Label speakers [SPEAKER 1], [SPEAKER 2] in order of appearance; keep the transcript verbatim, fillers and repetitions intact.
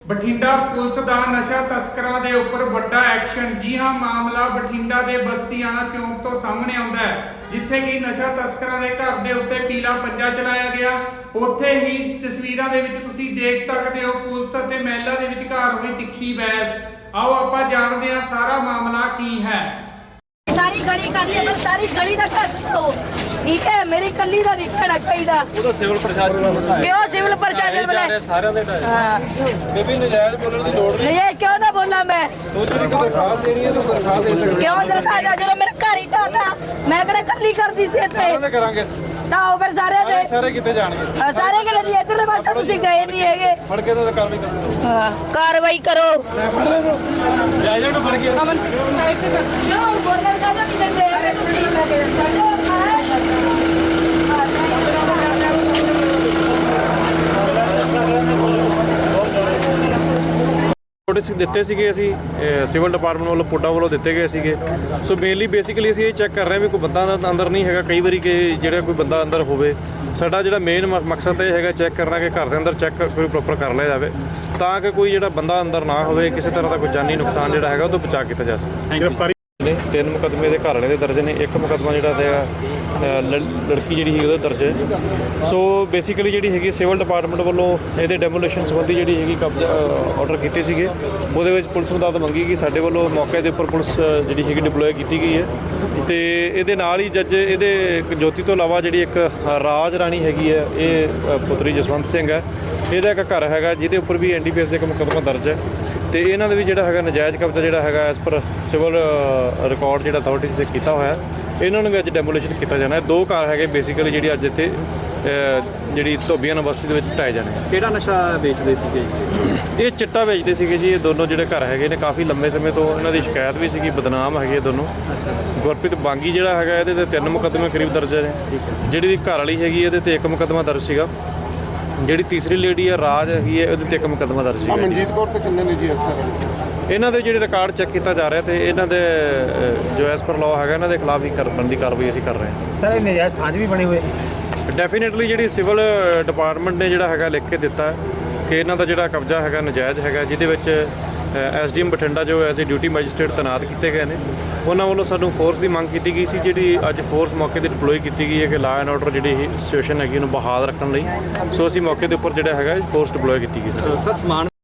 [SPEAKER 1] Bathinda police ਦਾ ਨਸ਼ਾ ਤਸਕਰਾਂ ਦੇ ਉੱਪਰ ਵੱਡਾ ਐਕਸ਼ਨ। ਜੀ ਹਾਂ, ਮਾਮਲਾ ਬਠਿੰਡਾ ਦੇ ਬਸਤੀਆਣਾ ਚੌਂਕ ਤੋਂ ਸਾਹਮਣੇ ਆਉਂਦਾ ਹੈ, ਜਿੱਥੇ ਕਿ ਨਸ਼ਾ ਤਸਕਰਾਂ ਦੇ ਘਰ ਦੇ ਉੱਤੇ ਪੀਲਾ ਪੰਜਾ ਚਲਾਇਆ ਗਿਆ। ਉੱਥੇ ਹੀ ਤਸਵੀਰਾਂ ਦੇ ਵਿੱਚ ਤੁਸੀਂ ਦੇਖ ਸਕਦੇ ਹੋ ਪੁਲਿਸ ਅਤੇ ਮਹਿਲਾ ਦੇ ਵਿਚਕਾਰ ਹੋਈ ਤਿੱਖੀ ਬਹਿਸ। ਆਓ ਆਪਾਂ ਜਾਣਦੇ ਹਾਂ ਸਾਰਾ ਮਾਮਲਾ ਕੀ ਹੈ।
[SPEAKER 2] सारी गली करनी है, बस सारी गली का कर दो, ठीक है। मेरी कली का नहीं खड़ा चाहिए।
[SPEAKER 3] ਉਹ ਤਾਂ ਸਿਵਲ ਪ੍ਰਸ਼ਾਸਨ ਨੂੰ ਪਤਾ ਹੈ।
[SPEAKER 2] क्यों सिविल प्रशासन बोले?
[SPEAKER 3] ਸਾਰਿਆਂ ਦੇ ਢਾਏ
[SPEAKER 2] हाँ
[SPEAKER 3] ਬੇਬੀ ਨਜਾਇਜ਼ ਬੋਲਣ ਦੀ ਲੋੜ
[SPEAKER 2] नहीं है, क्यों ना बोला मैं?
[SPEAKER 3] ਤੂੰ ਜਿਹੜੀ ਕੋਈ ਦਰਖਾਸਤ ਦੇਣੀ ਹੈ ਤੂੰ ਦਰਖਾਸਤ ਦੇ ਸਕਦੀ
[SPEAKER 2] क्यों दरखा जा जो मेरा घर ही था था, मैं कड़े कली कर दी सी थे
[SPEAKER 3] ਹੈ ਕਰਾਂਗੇ
[SPEAKER 2] ताओ फिर सारे दे
[SPEAKER 3] ਸਾਰੇ ਕਿੱਥੇ ਜਾਣਗੇ
[SPEAKER 2] हाँ, सारे के लिए इधर पास तुसी गए नहीं है।
[SPEAKER 3] ਫੜ ਕੇ ਤਾਂ ਕਾਰਵਾਈ ਕਰੋ
[SPEAKER 2] हाँ, कार्रवाई करो।
[SPEAKER 3] ਜਾਇਜ਼ ਨੂੰ ਫੜ ਕੇ
[SPEAKER 2] अमन साइड पे क्यों बोलने का नहीं देते हैं?
[SPEAKER 3] ਨੋਟਿਸ ਦਿੱਤੇ ਸੀਗੇ ਅਸੀਂ ਸਿਵਲ ਡਿਪਾਰਟਮੈਂਟ ਵੱਲੋਂ ਪੁੱਡਾ ਵੱਲੋਂ ਦਿੱਤੇ ਗਏ ਸੀਗੇ। ਸੋ ਮੇਨਲੀ ਬੇਸਿਕਲੀ ਅਸੀਂ ਇਹ ਚੈੱਕ ਕਰ ਰਹੇ ਹਾਂ ਵੀ ਕੋਈ ਬੰਦਾ ਅੰਦਰ ਨਹੀਂ ਹੈਗਾ। ਕਈ ਵਾਰੀ ਕਿ ਜਿਹੜਾ ਕੋਈ ਬੰਦਾ ਅੰਦਰ ਹੋਵੇ, ਸਾਡਾ ਜਿਹੜਾ ਮੇਨ ਮਕਸਦ ਇਹ ਹੈਗਾ ਚੈੱਕ ਕਰਨਾ ਕਿ ਘਰ ਦੇ ਅੰਦਰ ਚੈੱਕ ਕੋਈ ਪ੍ਰੋਪਰ ਕਰ ਲਿਆ ਜਾਵੇ, ਤਾਂ ਕਿ ਕੋਈ ਜਿਹੜਾ ਬੰਦਾ ਅੰਦਰ ਨਾ ਹੋਵੇ, ਕਿਸੇ ਤਰ੍ਹਾਂ ਦਾ ਕੋਈ ਜਾਨੀ ਨੁਕਸਾਨ ਜਿਹੜਾ ਹੈਗਾ ਉਹ ਤੋਂ ਬਚਾ ਕੀਤਾ ਜਾ ਸਕੇ।
[SPEAKER 4] ਗ੍ਰਿਫਤਾਰੀ
[SPEAKER 3] ਨੇ ਤਿੰਨ ਮੁਕੱਦਮੇ ਦੇ ਘਰ ਵਾਲੇ ਦੇ ਦਰਜ ਨੇ, ਇੱਕ ਮੁਕੱਦਮਾ ਜਿਹੜਾ ਹੈਗਾ ਲੜਕੀ ਜਿਹੜੀ ਹੈਗੀ ਉਹਦਾ ਦਰਜ ਹੈ। ਸੋ ਬੇਸਿਕਲੀ ਜਿਹੜੀ ਹੈਗੀ ਸਿਵਲ ਡਿਪਾਰਟਮੈਂਟ ਵੱਲੋਂ ਇਹਦੇ ਡੈਮੋਲੇਸ਼ਨ ਸੰਬੰਧੀ ਜਿਹੜੀ ਹੈਗੀ ਕਬਜ਼ਾ ਆਰਡਰ ਕੀਤੇ ਸੀਗੇ। ਉਹਦੇ ਵਿੱਚ ਪੁਲਿਸ ਨੂੰ ਦਾਦ ਮੰਗੀ ਕਿ ਸਾਡੇ ਵੱਲੋਂ ਮੌਕੇ ਦੇ ਉੱਪਰ ਪੁਲਿਸ ਜਿਹੜੀ ਹੈਗੀ ਡਿਪਲੋਏ ਕੀਤੀ ਗਈ ਹੈ, ਤੇ ਇਹਦੇ ਨਾਲ ਹੀ ਜੱਜ ਇਹਦੇ ਜੋਤੀ ਤੋਂ ਇਲਾਵਾ ਜਿਹੜੀ ਇੱਕ ਰਾਜ ਰਾਣੀ ਹੈਗੀ ਹੈ, ਇਹ ਪੁੱਤਰੀ ਜਸਵੰਤ ਸਿੰਘ ਹੈ, ਇਹਦਾ ਇੱਕ ਘਰ ਹੈਗਾ ਜਿਹਦੇ ਉੱਪਰ ਵੀ ਐਨ ਡੀ ਪੀ ਐਸ ਦਾ ਇੱਕ ਮੁਕੱਦਮਾ ਦਰਜ ਹੈ। ਤੇ ਇਹਨਾਂ ਦੇ ਵੀ ਜਿਹੜਾ ਹੈਗਾ ਨਜਾਇਜ਼ ਕਬਜ਼ਾ ਜਿਹੜਾ ਹੈਗਾ ਐਸ ਪਰ ਸਿਵਲ ਰਿਕਾਰਡ ਜਿਹੜਾ ਅਥਾਰਟੀਜ਼ ਦੇ ਕੀਤਾ ਹੋਇਆ, ਇਹਨਾਂ ਨੂੰ ਵੀ ਅੱਜ ਡੈਮੋਲੇਸ਼ਨ ਕੀਤਾ ਜਾਣਾ ਹੈ। ਦੋ ਘਰ ਹੈਗੇ ਬੇਸਿਕਲੀ ਜਿਹੜੀ ਅੱਜ ਇੱਥੇ ਜਿਹੜੀ ਧੋਬੀਆਂ ਬਸਤੀ ਦੇ ਵਿੱਚ ਢਾਏ ਜਾਣੇ।
[SPEAKER 5] ਕਿਹੜਾ ਨਸ਼ਾ ਵੇਚਦੇ ਸੀਗੇ?
[SPEAKER 3] ਇਹ ਚਿੱਟਾ ਵੇਚਦੇ ਸੀਗੇ ਜੀ। ਇਹ ਦੋਨੋਂ ਜਿਹੜੇ ਘਰ ਹੈਗੇ ਨੇ ਕਾਫੀ ਲੰਬੇ ਸਮੇਂ ਤੋਂ ਇਹਨਾਂ ਦੀ ਸ਼ਿਕਾਇਤ ਵੀ ਸੀਗੀ, ਬਦਨਾਮ ਹੈਗੇ ਇਹ ਦੋਨੋਂ। ਗੁਰਪ੍ਰੀਤ ਬਾਂਗੀ ਜਿਹੜਾ ਹੈਗਾ ਇਹਦੇ ਤੇ ਤਿੰਨ ਮੁਕੱਦਮੇ ਕਰੀਬ ਦਰਜ ਨੇ। ਜਿਹੜੀ ਦੀ ਘਰ ਵਾਲੀ ਹੈਗੀ ਇਹਦੇ ਤੇ ਇੱਕ ਮੁਕੱਦਮਾ ਦਰਜ ਸੀਗਾ। ਜਿਹੜੀ ਤੀਸਰੀ ਲੇਡੀ ਹੈ ਰਾਜ ਹੈਗੀ ਹੈ, ਉਹਦੇ ਤੇ ਇੱਕ ਮੁਕੱਦਮਾ ਦਰਜ ਸੀਗਾ।
[SPEAKER 4] ਮਨਜੀਤ ਕੌਰ ਤੇ ਕਿੰਨੇ ਨੇ ਜੀ ਇਸ ਤਰ੍ਹਾਂ?
[SPEAKER 3] ਇਹਨਾਂ ਦੇ ਜਿਹੜੇ ਰਿਕਾਰਡ ਚੈੱਕ ਕੀਤਾ ਜਾ ਰਿਹਾ ਤੇ ਇਹਨਾਂ ਦੇ ਜੋ ਐਸ ਪਰ ਲਾਅ ਹੈਗਾ ਇਹਨਾਂ ਦੇ ਖਿਲਾਫ ਹੀ ਕਰਨ ਦੀ ਕਾਰਵਾਈ ਅਸੀਂ ਕਰ ਰਹੇ ਹਾਂ।
[SPEAKER 5] ਸਰ ਇਹ ਨਜਾਇਜ਼ ਥਾਂ 'ਚ ਵੀ ਬਣੇ ਹੋਏ?
[SPEAKER 3] ਡੈਫੀਨੇਟਲੀ ਜਿਹੜੀ ਸਿਵਲ ਡਿਪਾਰਟਮੈਂਟ ਨੇ ਜਿਹੜਾ ਹੈਗਾ ਲਿਖ ਕੇ ਦਿੱਤਾ ਕਿ ਇਹਨਾਂ ਦਾ ਜਿਹੜਾ ਕਬਜ਼ਾ ਹੈਗਾ ਨਜਾਇਜ਼ ਹੈਗਾ, ਜਿਹਦੇ ਵਿੱਚ ਐਸ ਡੀ ਐਮ ਬਠਿੰਡਾ ਜੋ ਐਜ਼ ਏ ਡਿਊਟੀ ਮੈਜਿਸਟਰੇਟ ਤੈਨਾਤ ਕੀਤੇ ਗਏ ਨੇ, ਉਹਨਾਂ ਵੱਲੋਂ ਸਾਨੂੰ ਫੋਰਸ ਦੀ ਮੰਗ ਕੀਤੀ ਗਈ ਸੀ, ਜਿਹੜੀ ਅੱਜ ਫੋਰਸ ਮੌਕੇ 'ਤੇ ਡਿਪਲੋਏ ਕੀਤੀ ਗਈ ਹੈ ਕਿ ਲਾਅ ਐਂਡ ਆਰਡਰ ਜਿਹੜੀ ਸਿਚੁਏਸ਼ਨ ਹੈਗੀ ਉਹਨੂੰ ਬਹਾਲ ਰੱਖਣ ਲਈ। ਸੋ ਅਸੀਂ ਮੌਕੇ ਦੇ ਉੱਪਰ ਜਿਹੜਾ ਹੈਗਾ ਫੋਰਸ ਡਿਪਲੋਏ ਕੀਤੀ ਗਈ।
[SPEAKER 5] ਸਰ ਸਮਾਨ